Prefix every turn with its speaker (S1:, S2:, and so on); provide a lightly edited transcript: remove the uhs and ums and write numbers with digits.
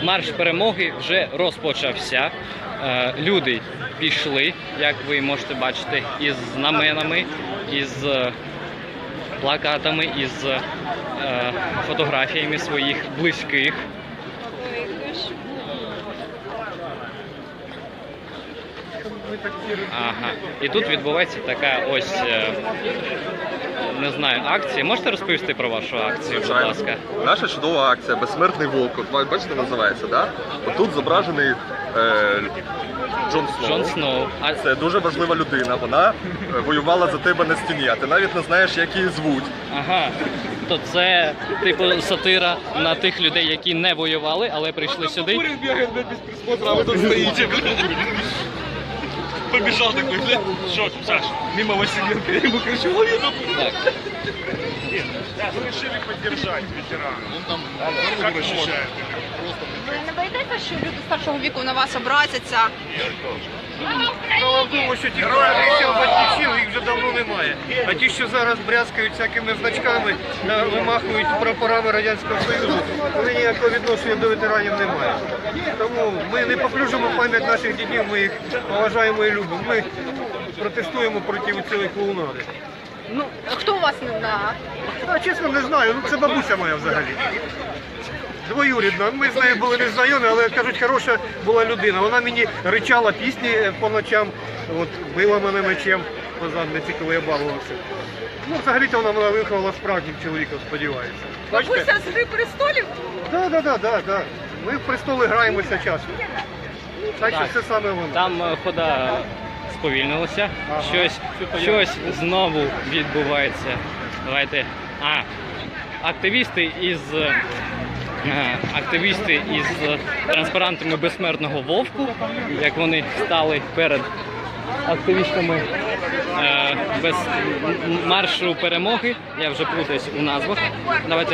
S1: марш перемоги вже розпочався. Люди пішли, як ви можете бачити, із знаменами, із плакатами, із фотографіями своїх близьких. Ага. І тут відбувається така ось, не знаю, акція. Можете розповісти про вашу акцію, будь ласка?
S2: Наша чудова акція «Безсмертний вовк». От, бачите, називається, да? Отут зображений Джон Сноу.
S1: Джон Сноу.
S2: Це дуже важлива людина. Вона воювала за тебе на стіні, а ти навіть не знаєш, як її звуть.
S1: Ага. То це, типу, сатира на тих людей, які не воювали, але прийшли сюди.
S2: Бігає без присмотру, а ви тут стоїте. Побежал такой, бля, что, Саш, мимо Василенко, я ему кричу, лови нахуй. Мы решили поддержать ветерана. Он там как ощущает?
S3: Ви не боїтеся, що люди старшого віку на вас образяться?
S4: Справа в тому, що ті, хто захищав батьківщину, їх вже давно немає. А ті, що зараз брязкають всякими значками, вимахують прапорами Радянського Союзу, вони ніякого відношення до ветеранів не мають. Тому ми не поплюжимо пам'ять наших дідів, ми їх поважаємо і любимо. Ми протестуємо проти цієї клоунади.
S3: Ну, хто у вас не знає?
S4: А чесно, не знаю, ну це бабуся моя взагалі. Двоюрідна. Ми з нею були не знайомі, але, кажуть, хороша була людина. Вона мені ричала пісні по ночам, от, била мене мечем по задниці, коли я балувався. Ну, взагалі-то вона мене виховала справжнім чоловіком, сподіваюся.
S3: Бабуся з «Гри престолів»?
S4: Так. Ми в престоли граємося часто. Так що це саме воно.
S1: Там хода сповільнилася.
S4: Ага.
S1: Щось знову відбувається. Давайте. Активісти із транспарантами безсмертного вовку, як вони стали перед активістами без маршу перемоги. Я вже плутаюсь у назвах. Давайте